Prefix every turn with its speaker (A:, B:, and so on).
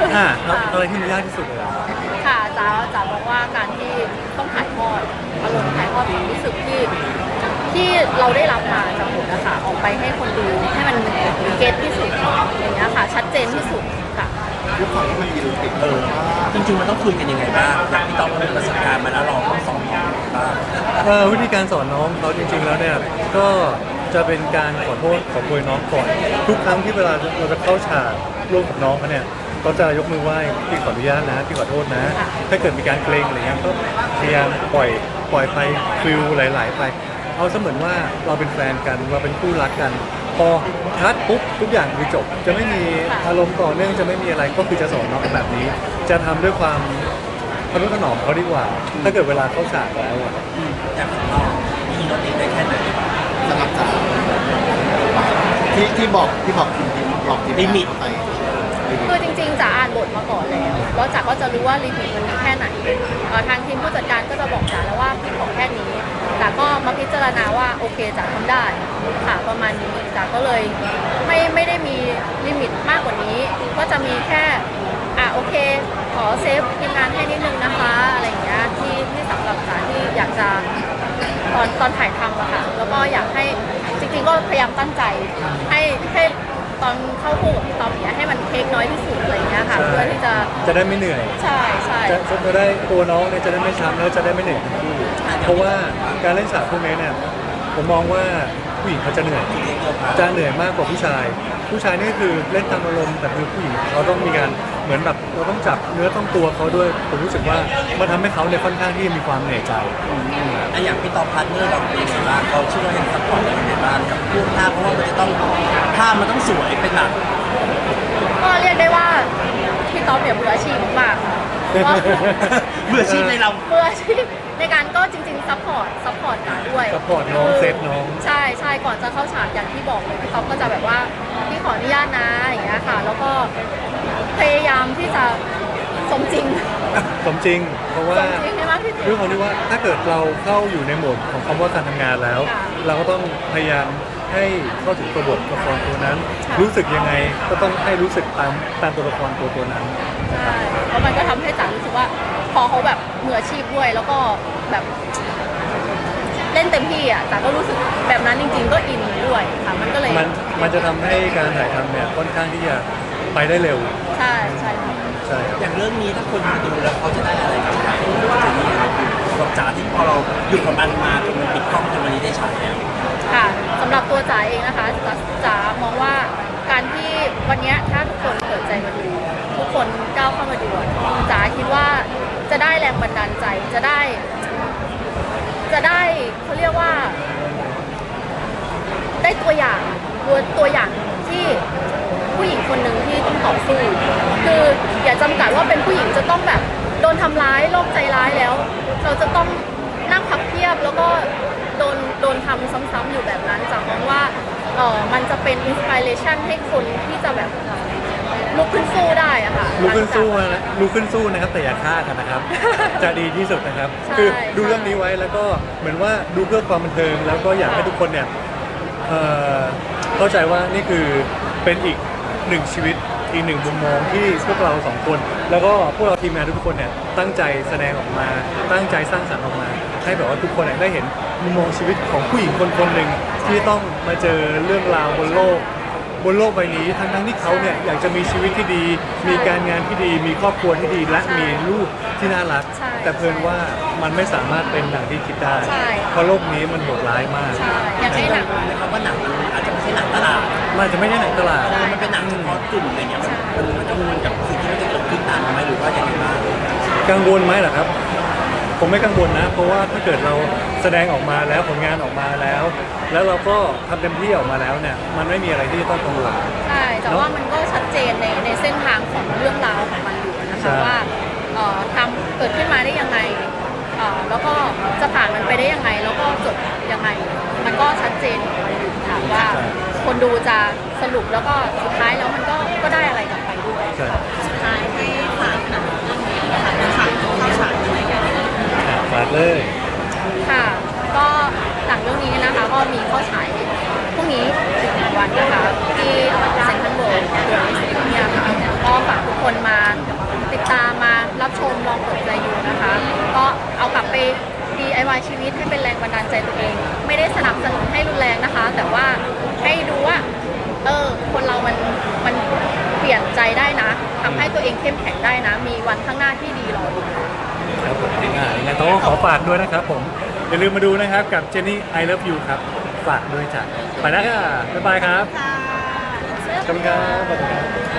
A: อะไรที่มันยากที่สุดเลย
B: ค่ะจ๋าบอกว่าการที่ต้องถ่ายทอดอารมณ์ถ่ายทอดความรู้สึกที่เราได้รับมาจากบทนะคะออกไปให้คนดูให้มันเก็ตที่สุดอย่างเงี้ยค่ะชัดเจนที่สุดค่ะ
C: ด้วยความที่มันมีลูกติด
D: จริงๆมันต้องคุยกันยังไงบ้างอย่างที่ต้องมีประสบการณ์มาแล้วเราต้องสอนน้องบ้าง
A: วิธีการสอนน้องเขาจริงๆแล้วเนี่ยก็จะเป็นการขอโทษขอโพยน้องก่อนทุกครั้งที่เวลาเราจะเข้าฉากร่วมกับน้องเขาเนี่ยก็จะยกมือไหว้พี่ขออนุญาตนะพี่ขอโทษนะถ้าเกิดมีการเกรงอะไรเงี้ยก็พยายามปล่อยไปฟิลไหลๆไปเอาเสมือนว่าเราเป็นแฟนกันเราเป็นคู่รักกันพอคัดปุ๊บทุกอย่างคือจบจะไม่มีอารมณ์ต่อเนื่องจะไม่มีอะไรก็คือจะสอนน้องแบบนี้จะทำด้วยความทนุถนอมเขาดีกว่าถ้าเกิดเวลาเข้าฉากแล้ว
D: อย่างของเรามีรถติดได้แค่ไหน
C: สำหรับจ๋าที่บอกลิมิตไป
B: คือจริงๆจ๋าอ่านบทมาก่อนแล้วจ๋าก็จะรู้ว่าลิมิตมันมีแค่ไหนทางทีมผู้จัดการก็จะบอกจ๋าแล้วว่าพี่ขอแค่นี้จ๋าก็มาพิจารณาว่าโอเคจ๋าทำได้ค่ะประมาณนี้จ๋าก็เลยไม่ได้มีลิมิตมากกว่านี้ก็จะมีแค่โอเคขอเซฟทีมงานให้นิดนึงนะคะอะไรอย่างเงี้ยที่สำหรับจ๋าที่อยากจะตอนถ่ายทำอะค่ะแล้วก็อยากให้จริงๆก็พยายามตั้งใจให้ตอนเข้าคู่กับพี่ต๊อบเนี้ยให้มันเทคน้อยที่สุดอะไรเงี้ยค่ะเพื่อที่
A: จะได้ไม่เหนื่อย
B: ใช่
A: จะได้ตัวน้องเนี่ยจะได้ไม่ช้ำแล้วจะได้ไม่เหนื่อยเพราะว่าการเล่นฉากพวกนี้เนี่ยผมมองว่าผู้หญิงเขาจะเหนื่อยมากกว่าผู้ชายนี่คือเล่นตามอารมณ์แต่คือผู้หญิงเขาต้องมีการเหมือนแบบเราต้องจับเนื้อต้องตัวเขาด้วยผมรู้สึกว่ามันทำให้เขาเนี่ยค่อนข้างที่มีความเหนื่อยใจ
D: อย่างพี่ต๊อบพาร์ทเนอร์เราเป็นยังไงบ้างเขาช่วยให้ซัพพอร์ตยังไงบ้างกับพวกท่าเพราะว่ามันจะต้องท่ามันต้องสวยเป็นหลัก
B: ก็เรียกได้ว่าพี่ต๊อบเนี่ยมืออาชีพมากค่ะ
D: มืออาชีพในเรา
B: มืออาชีพในการก็จริงๆซัพพอร์ตกันด้วย
A: ซัพพอร์ตน้องเซฟน้อง
B: ใช่ก่อนจะเข้าฉากอย่างที่บอกเลยพี่ต๊อบก็จะแบบว่าพี่ขออนุญาตนะอย่างเงี้ยค่ะแล้วก็พยายามที่จะสมจริง
A: เพราะว่าด้วยความที่ว่าถ้าเกิดเราเข้าอยู่ในโหมดของคำว่าการทำงานแล้วเราก็ต้องพยายามให้เข้าถึงตัวบทละครตัวนั้นรู้สึกยังไงก็ต้องให้รู้สึกตามตัวละครตัวนั้น
B: ใช่เพราะมันก็ทำให้จ๋ารู้สึกว่าพอเขาแบบมืออาชีพด้วยแล้วก็แบบเล่นเต็มที่จ๋าก็รู้สึกแบบนั้นจริงๆก็อินด้วยค่ะมันก็เลย
A: มันจะทำให้การถ่ายทำเนี่ยค่อนข้างที่จะไปได้เร็ว
B: ใช่
D: อย่างเรื่องนี้ถ้าคนมาดูแล้วเขาจะได้อะไรกลับไปจะมีอะไรกับจ๋าที่พอเราหยุดกับมันมาจนมันปิดกล้องจนวันนี้ได้ฉายแล้ว
B: ค่ะสำหรับตัวจ๋าเองนะคะจ๋ามองว่าการที่วันนี้ถ้าทุกคนเปิดใจมาดูทุกคนก้าวเข้ามาดูจ๋าคิดว่าจะได้แรงบันดาลใจจะได้เขาเรียกว่าได้ตัวอย่างที่ผู้หญิงคนหนึ่งที่ต้องต่อสู้คืออย่าจำกัดว่าเป็นผู้หญิงจะต้องแบบโดนทำร้ายโรคใจร้ายแล้วเราจะต้องนั่งพับเพียบแล้วก็โดนทำซ้ำๆอยู่แบบนั้นจ๋ามองว่ามันจะเป็นอินสปิเรชันให้คนที่จะแบบลุกขึ้นสู้ได้อะค่ะ
A: ลุกขึ้นสู้นะครับแต่อย่าฆ่ากันนะครับจะดีที่สุดนะครับคือดูเรื่องนี้ไว้แล้วก็เหมือนว่าดูเพื่อความบันเทิงแล้วก็อยากให้ทุกคนเนี่ยเข้าใจว่านี่คือเป็นอีกหนึ่งชีวิตอีกหนึ่งมุมมองที่พวกเราสองคนแล้วก็พวกเราทีมงานทุกคนเนี่ยตั้งใจแสดงออกมาตั้งใจสร้างสรรค์ออกมาให้แบบว่าทุกคนได้เห็นมุมมองชีวิตของผู้หญิงคนหนึ่งที่ต้องมาเจอเรื่องราวบนโลกใบนี้ทั้งที่เขาเนี่ยอยากจะมีชีวิตที่ดีมีการงานที่ดีมีครอบครัวที่ดีและมีลูกที่น่ารักแต่เพิ่นว่ามันไม่สามารถเป็นดังที่คิดได้เพราะโลกนี้มันโหดร้ายมาก
B: อย่างที่หนัง
D: นะครับว่าหนังอาจจะไม่ใช่หนังตลาด
A: มันจะไม่ใช่หนังตลาด
D: มันเป็นหนังเฉพาะกลุ่มอะไรเงี้ยมันกังวลกับสิ่งที่มันจะเกิดขึ้นตามไหมหรือว่าอย่างไรบ้าง
A: กังวลไหมล่ะครับผมไม่กังวลนะเพราะว่าถ้าเกิดเราแสดงออกมาแล้วผลงานออกมาแล้วเราก็ทำเต็มที่ออกมาแล้วเนี่ยมันไม่มีอะไรที่ต้องกังวล
B: ใช่แต่ว่ามันก็ชัดเจนในเส้นทางของเรื่องราวของมันอยู่นะคะว่าทำเกิดขึ้นมาได้ยังไงแล้วก็จะผ่านมันไปได้ยังไงแล้วก็จบยังไงมันก็ชัดเจนอยู่ค่ะว่าคนดูจะสรุปแล้วก็สุดท้ายแล้วมันก็ได้อะไรกลับไปด้วยสุดท้ายให้ฝากหนังเรื่องนี้ค่ะเป็นฉากเข้าฉากยังไงกัน
A: ฝากเลย
B: ค่ะก็หนังเรื่องนี้นะคะก็มีเข้าฉายพรุ่งนี้อีก1 วันนะคะที่เซ็นทรัลเวิลด์ตัวเอสเนี่ยค่ะก็ฝากทุกคนมาใจตัวเอง ไม่ได้สนับสนุนให้รุนแรงนะคะ แต่ว่าให้ดูว่าคนเรามันเปลี่ยนใจได้นะทำให้ตัวเองเข้มแข็งได้นะ มีวันข้างหน้าที่ดีรออยู่
A: ครับผมยังไงต้องขอฝากด้วยนะครับผมอย่าลืมมาดูนะครับกับเจนนี่ I Love You ครับฝากด้วยจ้ะไปแล้วค่ะบ๊ายบายครับ
B: ค่ะ
A: ขอบคุณครับ